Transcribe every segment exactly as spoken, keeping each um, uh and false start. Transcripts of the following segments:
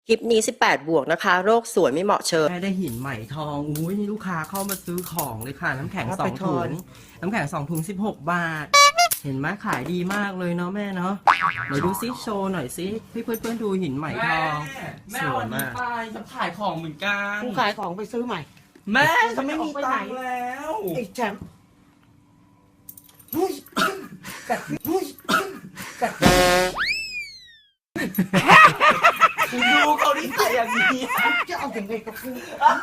คลิปนี้สิบแปดบวกนะคะโรคสวยไม่เหมาะเชิญแม่ได้หินใหม่ทองอุ้ยนี่ลูกค้าเข้ามาซื้อของเลยค่ะน้ำแข็งเอาสอไปงทถุอง นน้ำแข็งสองถุงสิบหกบาท เห็นไหมขายดีมากเลยเนาะแม่เนาะไหนดูซิโชว์หน่อยซิพี่เพื่อนเพื่อนๆดูหินใหม่ทองแม่สวยวันนี้มากไปจะขายของเหมือนกันกูขายของไปซื้อใหม่แม่จะไม่มีออกตังค์แล้วไอ้แชมป์หุ้ยกัดหุ้ยกัดคุณดูเขาที่ใส่อย่างนี้จะเอาอย่างไรกับกู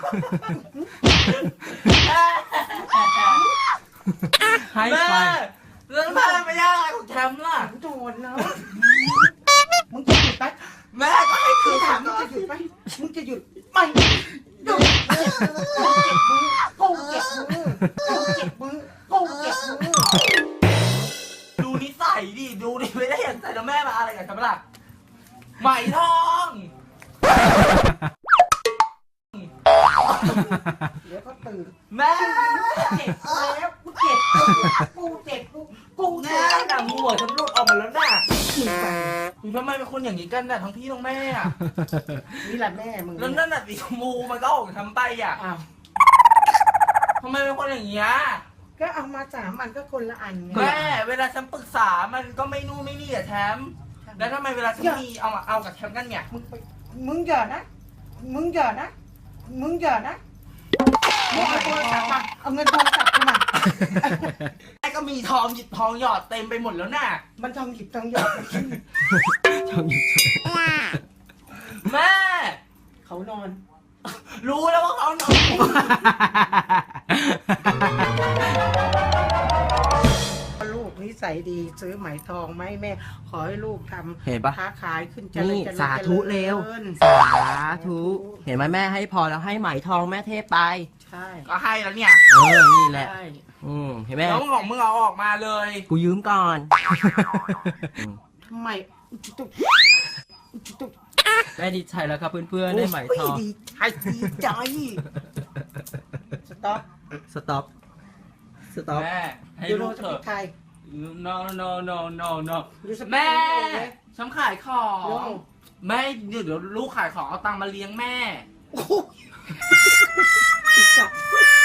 ให้แม่ไปแล้วแม่ไม่ยากอะไรของแชมป์ล่ะโดนแล้วมึงจะหยุดไหมแม่ก็ให้คืกูอถามถามมึงจะหยุดไหมมึงจะหยุดไม่หยุดกูเจ็บมือกูเจ็บมือกูเจ็บมือกูเจ็บมือดูนิสัยดิดูดิไม่ได้เห็นใส่แล้วแม่มาอะไรกันครับล่ะไหมทองเดี๋ยวก็ตื่นแม่เจ็บแล้วกูเจ็บกูเจ็บกูกูแม่เจ็บหนังหัวฉันหลุดออกมาแล้วน่ะมึงไปทำไมเป็นคนอย่างนี้กันน่ะทั้งพี่ทั้งแม่อะนี่แหละแม่มึงแล้วนั่นน่ะสีชมพูมันก็ออกทำไปอ่ะอ้าวทำไมเป็นคนอย่างเงี้ยก็เอามาสามอันก็คนละอันไงแม่เวลาฉันปรึกษามันก็ไม่นู่นไม่นี่อะแชมป์แล้วทำไมเวลาฉันมีเอามาเอากับแชมป์กันเนี่ยมึงไปมึงอย่านะ มึงอย่านะ มึงอย่านะมึงเอาโทรศัพท์มา เอาเงินโทรศัพท์กูมาไอ้ก็มีทองหยิบทองหยอดเต็มไปหมดแล้วน่ะมันทองหยิบทองหยอดมันขี้ชอบหยิบแม่เขานอนรู้แล้วว่าเขานอนลูกนิสัยดีซื้อไหมทองไหมาให้แม่ ขอให้ลูกทเห็นำปะค้าขายขึ้นเจรินี่ญเจริญสาธุเร็วจริญสาธุเห็นไหมแม่ให้พอแล้วให้ไหมทองแม่เทพไปใช่ก็ให้แล้วเนี่ยเออนี่แหละใช่อืมเห็นไหมแล้วของมึงเอาออกมาเลยกูยืมก่อนทำไมตุ๊กตุ๊กแม่ดีใจแล้วครับเพื่อนๆได้ไหมทองโยดีใจดีใจสต็อปสต็อปสต็อปแม่ให้ยูโรลูกสเถปิอะกไทย no no no no no ยูสปิกแม่ไทยฉันขายของโย่แม่เดี๋ยวเดี๋ยวลูกขายของเอาตังค์มาเลี้ยงแม่โอ้โหไอ้สัตว์